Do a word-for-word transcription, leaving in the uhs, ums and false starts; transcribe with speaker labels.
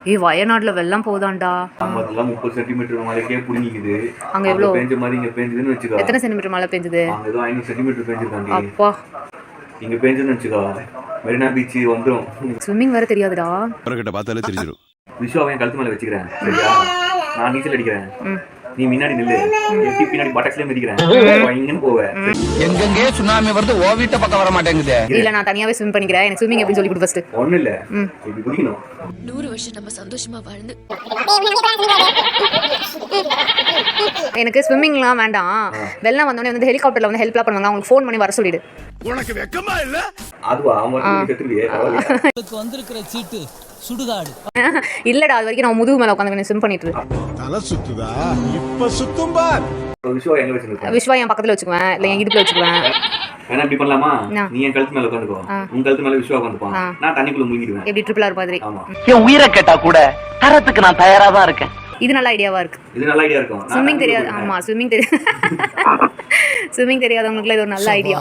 Speaker 1: ஏய் வயநாடுல வெள்ளம் போதான்டா.
Speaker 2: அதெல்லாம் முப்பது சென்டிமீட்டர் மழைக்கே புடிங்கிக்குது.
Speaker 1: அங்க எவ்வளவு
Speaker 2: பெஞ்ச மாதிரி இங்க பெஞ்சதுன்னு வெச்சுக்கோ.
Speaker 1: எத்தனை சென்டிமீட்டர் மழை பெஞ்சது?
Speaker 2: அங்க ஏதோ ஐநூறு சென்டிமீட்டர் பெஞ்சிருக்காண்டி.
Speaker 1: அப்பா
Speaker 2: இங்க பெஞ்சதுன்னு வெச்சுக்கோ. மெரினா பீச் வந்துரும்.
Speaker 1: ஸ்விம்மிங் வேற தெரியாதுடா.
Speaker 3: பரக்கிட்ட பார்த்தாலே தெரிஞ்சிரும்.
Speaker 2: விஸ்வாவை கழுத்து மேல வெச்சுக்கிறேன். சரியா? நான் நீச்சல் அடிக்கிறேன். நீ முன்னாடி நில்லு. எட்டி பின்னாடி பட்டக்ஸ்லயே மிதிக்கிறேன். இங்கன்னு போவே.
Speaker 4: எங்கெங்கே சுனாமி வருது ஓ வீட்ட பக்கம் வர மாட்டேங்குது.
Speaker 1: இல்ல நான் தனியாவே ஸ்விம் பண்ணிக்கிறேன். எனக்கு ஸ்விம்மிங் எப்படி சொல்லி கொடு ஃபர்ஸ்ட்.
Speaker 2: ஒண்ணு இல்ல. இப்படி குதிக்கணும்.
Speaker 5: நூறு வருஷம் நம்ம சந்தோஷமா வாழ்ந்து.
Speaker 1: எனக்கு ஸ்விம்மிங்லாம் வேண்டாம். வெள்ளம் வந்தோடனே வந்து ஹெலிகாப்டர்ல வந்து ஹெல்ப்லாம் பண்ணுவாங்க. அவங்களுக்கு ஃபோன் பண்ணி வர சொல்லிடு.
Speaker 3: உனக்கு வெக்கமா இல்ல?
Speaker 2: அதுவா அவங்க செத்துறியே.
Speaker 6: உங்களுக்கு வந்திருக்கிற சீட்டு சுடுகாடு.
Speaker 1: இல்லடா அது வரைக்கும் நான் முதுகு மேல உட்கார்ந்து ஸ்விம் பண்ணிட்டு இருக்கேன்.
Speaker 3: தலை சுத்துதா? இப்ப சுத்தும் பார்.
Speaker 2: விஸ்வா எங்க வெச்சிருக்க?
Speaker 1: விஸ்வா என் பக்கத்துல வெச்சுக்குவேன் இல்ல என் இடுப்புல வெச்சுக்குவேன்.
Speaker 2: வேணா இப்படி பண்ணலாமா? நீ என் கழுத்து மேல உட்கார்ந்துக்கோ. உன் கழுத்து மேல விஸ்வா உட்கார்ந்துப்பான். நான் தண்ணிக்குள்ள முங்கிடுவேன்.
Speaker 1: எப்படி ட்ரிபிள் ஆர் மாதிரி.
Speaker 2: ஆமா.
Speaker 4: என் உயிரை கேட்டா கூட தரத்துக்கு நான் தயாரா தான் இருக்கேன்.
Speaker 1: இது நல்ல ஐடியாவா இருக்கு.
Speaker 2: இது நல்ல ஐடியா இருக்கும்.
Speaker 1: ஸ்விம்மிங் தெரியாது. ஆமா ஸ்விம்மிங் தெரியாது. ஸ்விம்மிங் தெரியாதவங்களுக்கு இது ஒரு நல்ல ஐடியா.